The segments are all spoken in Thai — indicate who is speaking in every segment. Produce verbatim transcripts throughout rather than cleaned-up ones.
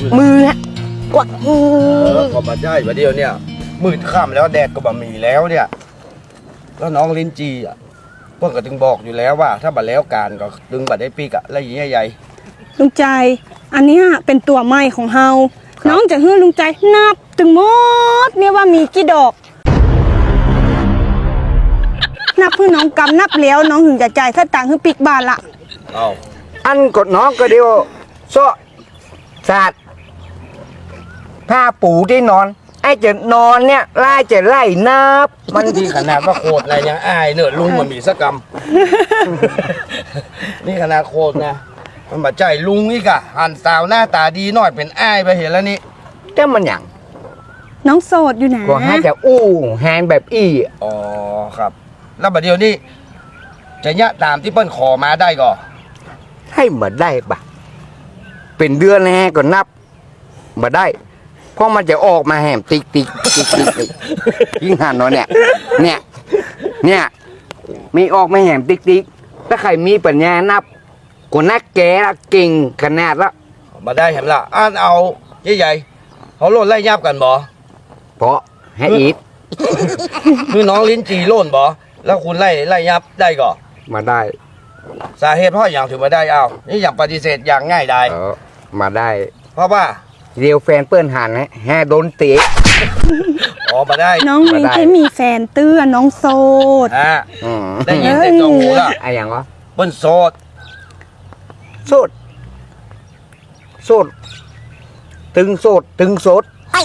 Speaker 1: มือฮะกวักมื
Speaker 2: เอ
Speaker 1: อ
Speaker 2: อก็มาได้ประเดี๋ยวเนี่ยมืดค่ำแล้วแดดก็บะมีแล้วเนี่ยแล้วน้องลิ้นจีอ่ะเพื่อนก็ถึงบอกอยู่แล้วว่า ถ้าบัดแล้วการก็ดึงบัดได้ปีกอะแล้วอย่างใหญ่
Speaker 3: ลุงใจอันเนี้ยเป็นตัวใหม่ของเฮาน้องจะให้ลุงใจนับถึงหมดเนี่ยว่ามีกี่ดอก นับเพื่อน้องกำนับแล้วน้องถึงจะจ่ายถ้าตังค์ให้ปิกบาทละ
Speaker 2: ๆเอา
Speaker 1: อันกดน้องก็เดียวโซ่สาดผ้าปูที่นอน ไอ้จะนอนเนี่ยไล่จะไล่นับ
Speaker 2: มันที่ขนาดว่าโคตรอะไรยังอายเนอะลุงมันมีสักกรรม นี่ขนาดโคตรนะมันมาใจลุงนี่กะหันสาวหน้าตาดีหน่อยเป็นอ้ายไปเห็นแล้วนี่
Speaker 1: แต่มันอย่าง
Speaker 3: น้องโสดอยู่นะ
Speaker 1: ก็ให้จะอู้แฮนแบบอี้
Speaker 2: อ๋อครับ แล้วบัดเดี๋ยวนี้จะยะตามที่เปิ้นขอมาได้ก่อ
Speaker 1: ให้มาได้ปะเป็นเดือนแฮก็นับมาได้ เพราะมันจะออกมาแหมติ๊กติ๊กติ๊กติ๊กติ๊กยิ่งหันเนาะเนี่ยเนี่ยเนี่ยมีออกมาแหมติ๊กติ๊กถ้าใครมีปัญญานับก็นักแกละเก่งขนาดละ
Speaker 2: มาได้เห็นละอ่านเอาใหญ่ๆเขาโลดไล่ยับกันบ่
Speaker 1: เพราะให้อีท
Speaker 2: คือน้องลิ้นจีโล่นบ่แล้วคุณไล่ไล่ยับได้ก่อ
Speaker 1: มาได้
Speaker 2: สาเหตุเพราะอย่างถึงมาได้เอานี่อย่างปฏิเสธอย่างง่ายดาย
Speaker 1: เออมาได้
Speaker 2: เพราะว่า
Speaker 1: เรียวแฟนเปิ้นหันแฮโดนเตะ
Speaker 2: อ๋อมาได้
Speaker 3: น้องมี
Speaker 1: มาได้
Speaker 3: แค่มีแฟนเตื้อน้องโสด
Speaker 2: ฮะ
Speaker 1: อืม
Speaker 2: ได้ยินเต็มจมูกละ
Speaker 1: ไอ้อย่างวะ
Speaker 2: เปิ้นโสด
Speaker 1: โสดโสดตึงโสดตึงโสด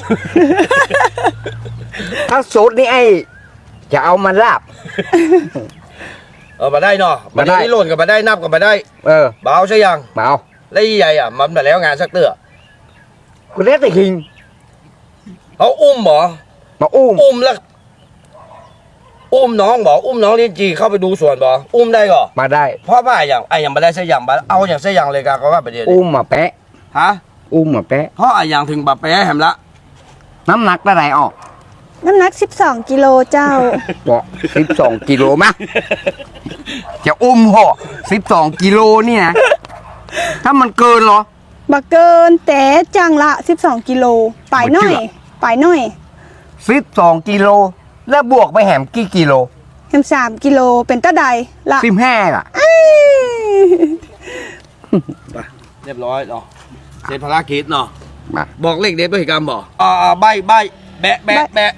Speaker 1: ถ้าโสดนี่ไอ้จะเอามาลาบ
Speaker 2: เออมาได้เนาะมา
Speaker 1: มาได้
Speaker 2: ได้นี่โล่นกับมาได้นับกับมาได้
Speaker 1: เออ
Speaker 2: เบาใช่ยัง
Speaker 1: มาเอา
Speaker 2: แล้วใหญ่อ่ะมันมาแล้วงานสักเตื้อ
Speaker 1: กูเล่นแต่คิง
Speaker 2: เขาอุ้มบ่
Speaker 1: มาอุ้ม
Speaker 2: อุ้มแล้วอุ้มน้องบ่อุ้มน้องลิ้นจีเข้าไปดูสวนบ่อุ้มได้ก่อ
Speaker 1: มาได้
Speaker 2: เพราะว่าอย่างไอ้อย่างมาได้ใช่อย่างมาเอาอย่างใช่อย่างเลยกันก็ว่าประเดี๋ยวนี้
Speaker 1: อุ้มมาแปะ
Speaker 2: ฮะ
Speaker 1: อุ้มมาแปะ
Speaker 2: เพราะไอ้อย่างถึงแบบแปะแหมละ
Speaker 1: น้ำหนักได้ไรออก
Speaker 3: น้ำหนักสิบสองกิโลเจ้า
Speaker 1: บอกสิบสองกิโลมะจะอุ้มห่อสิบสองกิโลนี่นะถ้ามันเกินเหรอ
Speaker 3: บักเกินแต่จังละสิบสองกิโลปลายน้อย
Speaker 1: บ่เชื่อ
Speaker 3: ปลายน้อย
Speaker 1: สิบสองกิโลแล้วบวกไปแหมกี่กิโล
Speaker 3: แฮมสามกิโลเป็นตะใดละ
Speaker 1: สิบห้าล่ะ
Speaker 3: อ้าย
Speaker 2: ไปเรียบร้อยเนาะเสร็จภารกิจเนาะ
Speaker 1: มา
Speaker 2: บอกเลขเด็ดด้วยกรรมบอกอ่าใบใบแบะแบะแบะ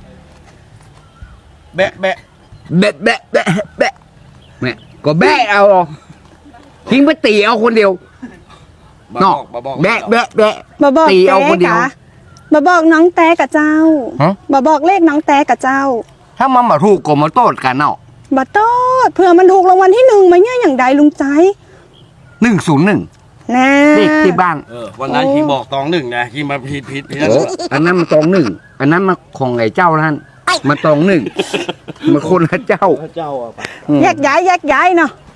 Speaker 2: แบะแบะ
Speaker 1: แบะแบะแบะแบะเนี่ยก็แบะเอาหรอทิ้งไปตีเอาคนเดียว
Speaker 2: มา
Speaker 1: เนาะ
Speaker 2: บอกมาบอก
Speaker 1: แบะแบะแบะ
Speaker 3: มาบอก
Speaker 1: ตี
Speaker 3: แต้
Speaker 1: เอาคนเดียว
Speaker 3: กะมาบอกน้องแต้กับเจ้า
Speaker 1: ฮะ
Speaker 3: มาบอกเลขน้องแต้กับเจ้า
Speaker 1: ถ้ามันมาถูกก็มาโต้กันเนาะ
Speaker 3: บัตโต้เผื่อมันถูกรางวัลที่หนึ่งมาเนี่ยอย่างใดลุงใจ
Speaker 1: หนึ่งศูนย์หนึ่ง
Speaker 3: นะ
Speaker 1: เด็กที่บ้าน
Speaker 2: เออวันนั้นคิงบอกตองหนึ่งไงคิงมาผิดผิดผิด
Speaker 1: โอ้อันนั้นมันตองหนึ่งอันนั้นมาของไอ้เจ้าท่านมาตองหนึ่งมาคนละเจ้า
Speaker 2: พระเจ้าอ่ะ
Speaker 1: อืม
Speaker 3: แยกย้ายแยกย้ายเนาะ